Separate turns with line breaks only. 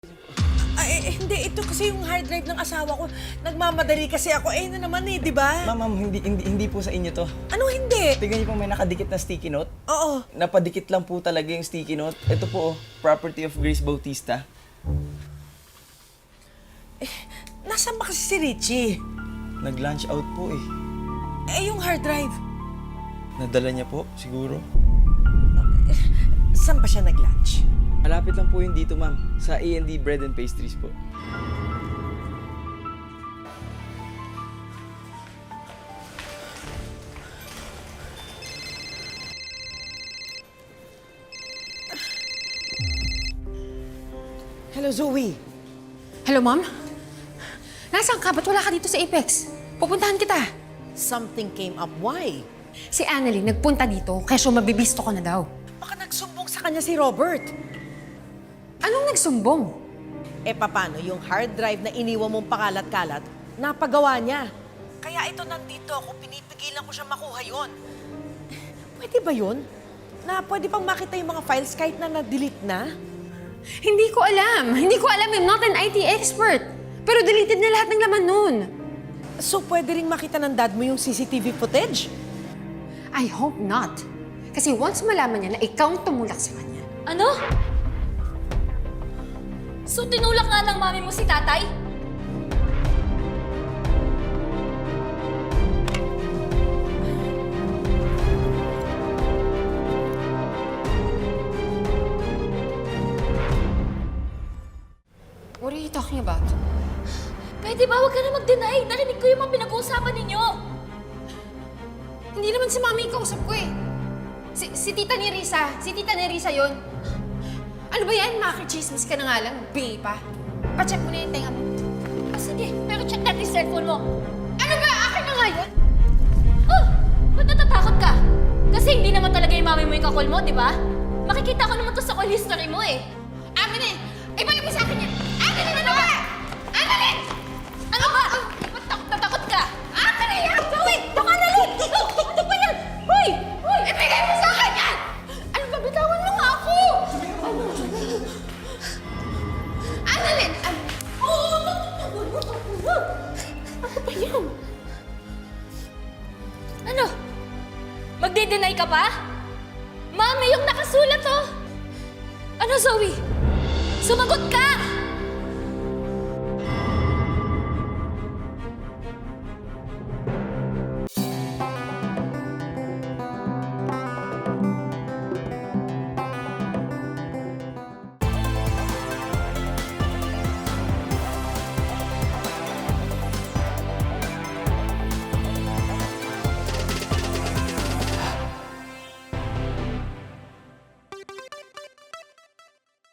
Hindi. Ito kasi yung hard drive ng asawa ko. Nagmamadali kasi ako. Na naman di ba?
Ma'am, hindi po sa inyo to.
Ano hindi?
Tignan niyo po may nakadikit na sticky note.
Oo.
Napadikit lang po talaga yung sticky note. Ito po, property of Grace Bautista.
Nasaan ba kasi si Richie?
Nag-lunch out po eh.
Yung hard drive.
Nadala niya po, siguro.
Saan ba siya nag-lunch?
Malapit lang po yun dito, ma'am. Sa A&D Bread and Pastries po.
Hello, Zoe.
Hello, Ma'am? Nasaan ka? Ba't wala ka dito sa Apex? Pupuntahan kita.
Something came up. Why?
Si Annalyn nagpunta dito, kaya mabibisto ko na daw.
Baka nagsumbong sa kanya si Robert.
Anong nagsumbong?
Paano yung hard drive na iniwan mong pakalat-kalat, napagawa niya. Kaya ito nandito ako, pinipigilan ko siya makuha yon. Pwede ba yun? Na pwede pang makita yung mga files kahit na na-delete na?
Hindi ko alam. I'm not an IT expert. Pero deleted na lahat ng laman nun.
So pwede ring makita ng dad mo yung CCTV footage?
I hope not. Kasi once malaman niya na ikaw ang tumulak sa kanya.
Ano? So tinulak nga ng mami mo si tatay?
What are you talking about?
Pwede ba? Huwag ka na mag-deny. Narinig ko yung mga pinag-uusapan ninyo.
Hindi naman si Mami yung kausap ko eh. Si Tita ni Risa. Si Tita ni Risa yun. Ano ba yan? Makikichismis ka na nga lang. Bingi pa. Pa-check mo na yung tenga mo.
Sige, pero check natin yung cellphone mo.
Ano ba? Akin na nga yun?
Oh! Ba't natatakot ka? Kasi hindi naman talaga yung mami mo yung kakol mo, di ba? Makikita ko naman to sa call history mo eh.
Amin eh! Ibalik mo sa akin yan! Annalyn, ano ba? Annalyn!
Ano ba? Ba't natakot ka?
Akin na yan!
Wait! Baka nalit! Ano ba yan? Hoy! Hoy!
Ibigay mo sa akin yan! Ano ba? Bitawan mo nga ako! Annalyn!
Ano ba yan? Ano? Magde-deny ka pa? Mami, yung nakasulat oh! Ano, Zoe? Sumagot ka!